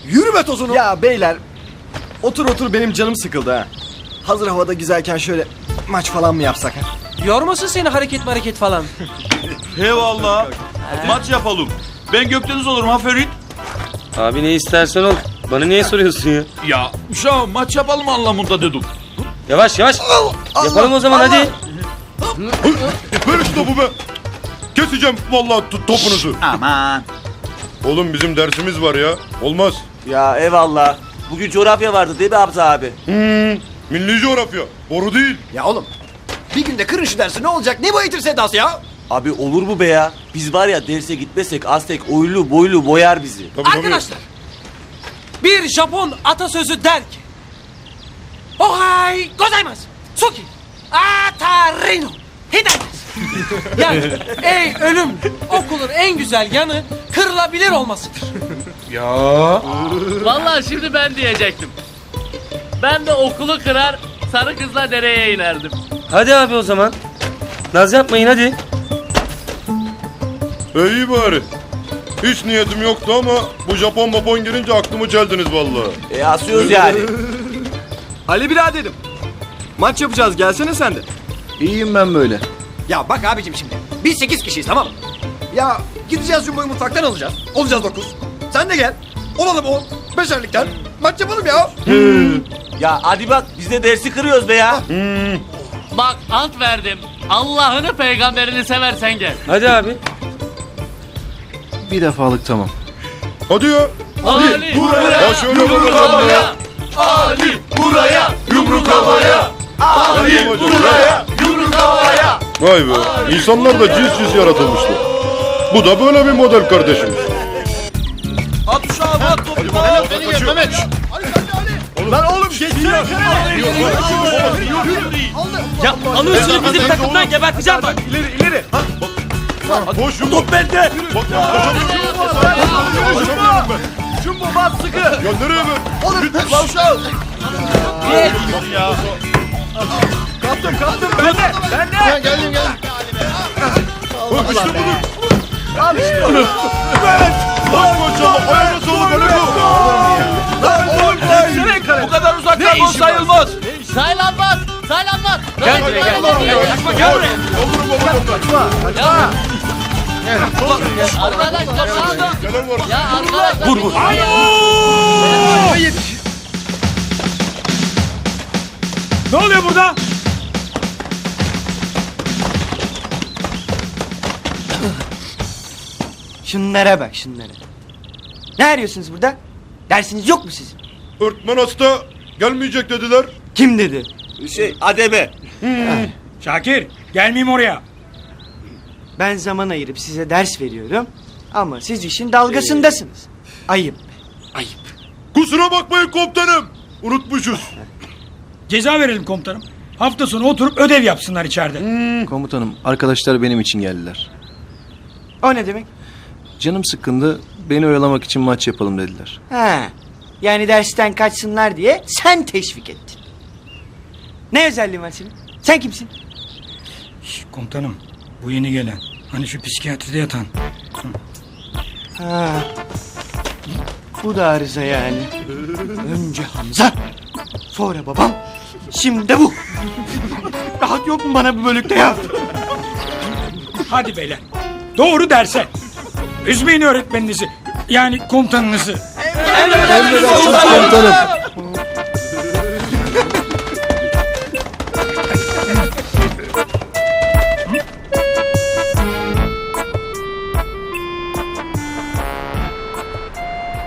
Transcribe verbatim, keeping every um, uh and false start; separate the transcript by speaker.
Speaker 1: Yürüme tozunu.
Speaker 2: Ya beyler, otur otur benim canım sıkıldı ha. Hazır havada güzelken şöyle maç falan mı yapsak ha?
Speaker 3: Yormasın seni hareket hareket falan.
Speaker 4: Eyvallah. Maç yapalım. Ben Gökdeniz olurum ha Ferit.
Speaker 5: Abi ne istersen ol. Bana niye soruyorsun ya?
Speaker 4: Ya uşağım maç yapalım anlamında dedim.
Speaker 5: Yavaş yavaş. Yapalım o zaman hadi.
Speaker 6: Ver şu topu be. Keseceğim vallahi t- topunuzu.
Speaker 4: Aman.
Speaker 6: Oğlum bizim dersimiz var ya. Olmaz.
Speaker 7: Ya eyvallah. Bugün coğrafya vardı değil mi Hamza abi?
Speaker 6: Hmm, milli coğrafya. Boru değil.
Speaker 1: Ya oğlum. Bir günde kırın şu dersi ne olacak? Ne bu eğitim sedası ya?
Speaker 7: Abi olur mu be ya? Biz var ya derse gitmesek Aztek oylu boylu boyar bizi.
Speaker 6: Tabii, tabii.
Speaker 3: Arkadaşlar. Bir Japon atasözü der ki. Ohai gozaimasu. Suki. Atarino. Hidates. Yani ey ölüm, okulun en güzel yanı kırılabilir olmasıdır.
Speaker 8: Vallahi şimdi ben diyecektim. Ben de okulu kırar, sarı kızla dereye inerdim.
Speaker 5: Hadi abi o zaman. Naz yapmayın hadi.
Speaker 6: E, iyi bari. Hiç niyetim yoktu ama bu Japon babon girince aklımı çeldiniz vallahi.
Speaker 7: E asıyoruz yani.
Speaker 2: Ali biraderim, maç yapacağız, gelsene sen de.
Speaker 1: İyiyim ben böyle. Ya bak abicim şimdi. Biz sekiz kişiyiz tamam mı? Ya gideceğiz Jumbo'yu mutfaktan alacağız. Olacağız dokuz. Sen de gel. Olalım on. Beşerlikten. Maç yapalım ya.
Speaker 7: Ya hadi bak biz de dersi kırıyoruz be ya.
Speaker 8: Bak ant verdim. Allah'ını peygamberini seversen gel.
Speaker 5: Hadi abi.
Speaker 1: Bir defalık tamam.
Speaker 6: Hadi ya.
Speaker 8: Ali
Speaker 6: Ya şöyle
Speaker 8: yumruk
Speaker 6: bakalım
Speaker 8: havaya.
Speaker 6: ya.
Speaker 8: Ali buraya.
Speaker 6: Yumruk havaya. Ali buraya.
Speaker 8: Yumruk havaya.
Speaker 6: Vay be. İnsanlar da cins cins yaratılmışlar. Bu da böyle bir model kardeşimiz.
Speaker 4: At uşağım at topu.
Speaker 6: Beni gel Mehmet.
Speaker 2: Lan oğlum geçsene.
Speaker 3: Ya alıyorsun bizim takımdan geberteceğim bak.
Speaker 2: İleri ileri.
Speaker 6: Koş top bende. Bak
Speaker 2: Jumbo bas sıkı.
Speaker 6: Ya nereye be?
Speaker 2: Oğlum lan uşağım. Kaptım kaptım ben de. Ben de. Ben geldim geldim.
Speaker 6: İşte budur.
Speaker 2: Al işte onu.
Speaker 6: Bak maşallah. Ayağına sağlık Ali bu.
Speaker 2: Lan oğlum geçsene kare.
Speaker 4: Bu kadar uzaktan gol sayılmaz.
Speaker 8: Saylanmaz. Saylanmaz.
Speaker 3: Gel buraya gel. Kaçma gel buraya.
Speaker 6: Olur baba kaçma.
Speaker 8: Arkadaşlar ya.
Speaker 6: Gelen var.
Speaker 8: Ya arkadaşlar.
Speaker 3: Vur vur.
Speaker 9: Ne oluyor burada?
Speaker 10: Şunlara bak şunlara. Ne arıyorsunuz burada? Dersiniz yok mu sizin?
Speaker 6: Öğretmen hasta. Gelmeyecek dediler.
Speaker 10: Kim dedi?
Speaker 7: Şey ademe.
Speaker 9: Şakir, gelmeyeyim oraya.
Speaker 10: Ben zaman ayırıp size ders veriyorum. Ama siz işin dalgasındasınız. Ayıp. Ayıp.
Speaker 6: Kusura bakmayın komutanım. Unutmuşuz.
Speaker 9: Ceza verelim komutanım. Hafta sonu oturup ödev yapsınlar içeride.
Speaker 1: Komutanım arkadaşlar benim için geldiler.
Speaker 10: O ne demek?
Speaker 1: Canım sıkkındı, beni oyalamak için maç yapalım dediler.
Speaker 10: Ha. Yani dersten kaçsınlar diye sen teşvik ettin. Ne özelliğin var senin? Sen kimsin?
Speaker 9: Şş, komutanım, bu yeni gelen. Hani şu psikiyatride yatan.
Speaker 10: Ha. Bu da arıza yani. Önce Hamza. Sonra babam. Şimdi de bu. Rahat yok mu bana bu bölükte ya?
Speaker 9: Hadi beyler, doğru derse. Üzmeyin öğretmeninizi. Yani komutanınızı.
Speaker 1: Emredersiniz komutanım.